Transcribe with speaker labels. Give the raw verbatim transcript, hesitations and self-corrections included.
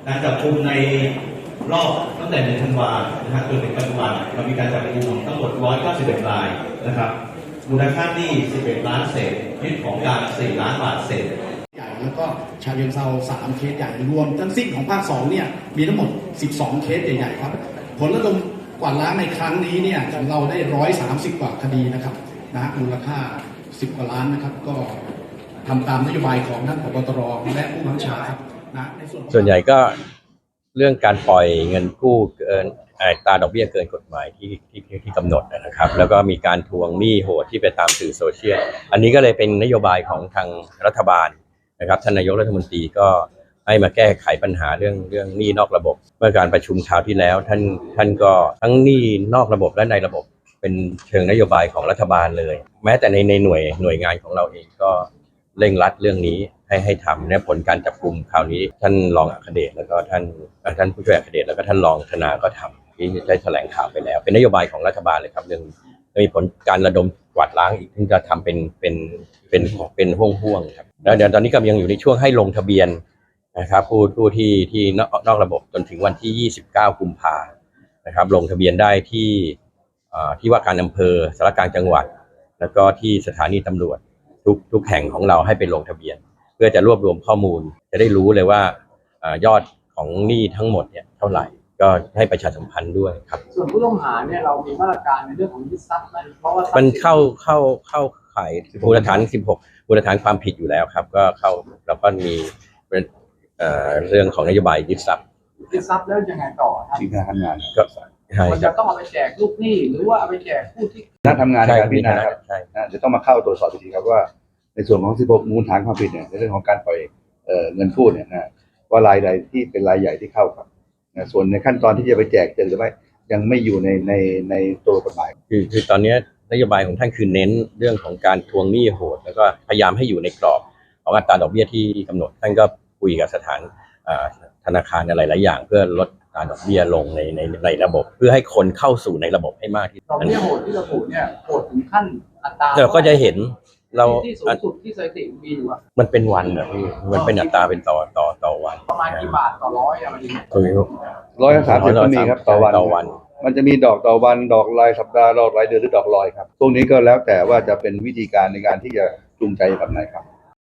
Speaker 1: การจับกุมในรอบตั้งแต่เดือนธันวานะฮะจนถึงปัจจุบันเรามีการจับกุมทั้งหมดหนึ่งร้อยเก้าสิบเอ็ดรายนะครับมูลค่าหนี้สิบเอ็ดล้านเศษยึดของกลางสี่ล้านบาทเศษ
Speaker 2: ใหญ่แล้วก็ชาเชิงเทราสามเคสใหญ่รวมทั้งสิ้นของภาคสองเนี่ยมีทั้งหมดสิบสองเคสใหญ่ๆครับผลระดมกวาดล้างในครั้งนี้เนี่ยเราได้หนึ่งร้อยสามสิบกว่าคดีนะครับนะมูลค่าสิบกว่าล้านนะครับก็ทำตามนโยบายของท่านผบ.ตร.และผู้บังคับบัญชาครับนะในส่วน
Speaker 3: ส่วนใหญ่ก็เรื่องการปล่อยเงินกู้เกินอัตราดอกเบี้ยเกินกฎหมายที่ที่ที่กำหนดนะครับแล้วก็มีการทวงหนี้โหดที่ไปตามสื่อโซเชียลอันนี้ก็เลยเป็นนโยบายของทางรัฐบาลนะครับท่านนายกรัฐมนตรีก็ให้มาแก้ไขปัญหาเรื่องเรื่องหนี้นอกระบบเมื่อการประชุมคราวที่แล้วท่านท่านก็ทั้งหนี้นอกระบบและในระบบเป็นเชิงนโยบายของรัฐบาลเลยแม้แต่ในในหน่วยหน่วยงานของเราเองก็เร่งรัดเรื่องนี้ให้ให้ทำเนี่ยผลการจับกุมคราวนี้ท่านรองอัครเดชแล้วก็ท่านท่านผู้ช่วยอัครเดชแล้วก็ท่านรองธนาก็ทำที่ได้แถลงข่าวไปแล้วเป็นนโยบายของรัฐบาลเลยครับเรื่องมีผลการระดมกวาดล้างอีกที่จะทำเป็นเป็นเป็นเป็นห่วงๆครับแล้วเดี๋ยวตอนนี้ก็ยังอยู่ในช่วงให้ลงทะเบียนนะครับผู้ผู้ที่ที่นอกระบบจนถึงวันที่ยี่สิบเก้ากุมภาพันธ์นะครับลงทะเบียนได้ที่ที่ว่าการอำเภอสารกลางจังหวัดแล้วก็ที่สถานีตำรวจทุกทุกแห่งของเราให้ไปลงทะเบียนเพื่อจะรวบรวมข้อมูลจะได้รู้เลยว่ายอดของหนี้ทั้งหมดเนี่ยเท่าไหร่ก็ให้ประชาสัมพันธ์ด้วยครับ
Speaker 4: ส่วนผู้ต้องหาเนี่ยเรามีมาตรการในเรื่องของยึดทรัพย์ไหมเพราะว่า
Speaker 3: มันเข้าเข้าเข้าข่ายมูลฐานสิบหกมูลฐานความผิดอยู่แล้วครับก็เข้าแล้วก็มีเรื่องของนโยบายยึดทรัพย์
Speaker 4: ยึดทรัพย์แล้วยังไงต่อครับ
Speaker 5: ที่คณะทำงาน
Speaker 3: ก็ใช่
Speaker 4: มันจะต้องเอาไปแจกลูกหนี้หรือว่าเอาไปแจกผู้ที่
Speaker 5: คณะทำงานในการพิจารณาครับจะต้องมาเข้าตรวจสอบทีครับว่าในส่วนของสิบหกมูลฐานความผิดเนี่ยในเรื่องของการปล่อยเงินกู้เนี่ยนะว่ารายใดที่เป็นรายใหญ่ที่เข้าครับส่วนในขั้นตอนที่จะไปแจกเจอหรือไม่ยังไม่อยู่ในในในตัวกฎหมาย
Speaker 3: คือคือตอนนี้นโยบายของท่านคือเน้นเรื่องของการทวงหนี้โหดแล้วก็พยายามให้อยู่ในกรอบของอัตราดอกเบี้ยที่กำหนดท่านก็คุยกับสถานธนาคารอะไรหลายอย่างเพื่อลดอัตราดอกเบี้ยลงในในในระบบเพื่อให้คนเข้าสู่ในระบบให้มากที่สุด
Speaker 4: ดอกเบี้ยโหดที่ระบุเนี่ยโหดถึงขั้นอัตรา
Speaker 3: เราก็จะเห็นเรา
Speaker 4: ที่สูงสุดที่สถิติมีอยู่อะ
Speaker 3: มันเป็นวันอะพี่มันเป็นอัตราเป็นต่อต่อต่อวัน
Speaker 4: ประมาณกี่บาทต่อร้อยอะไรอย่างเงี้ย
Speaker 5: ร้อยสามสิบก็มีครับต่อวันต่อวันมันจะมีดอกต่อวันดอกรายสัปดาห์ดอกรายเดือนหรือดอกลอยครับพวกนี้ก็แล้วแต่ว่าจะเป็นวิธีการในการที่จะจูงใจแบบไหนครับ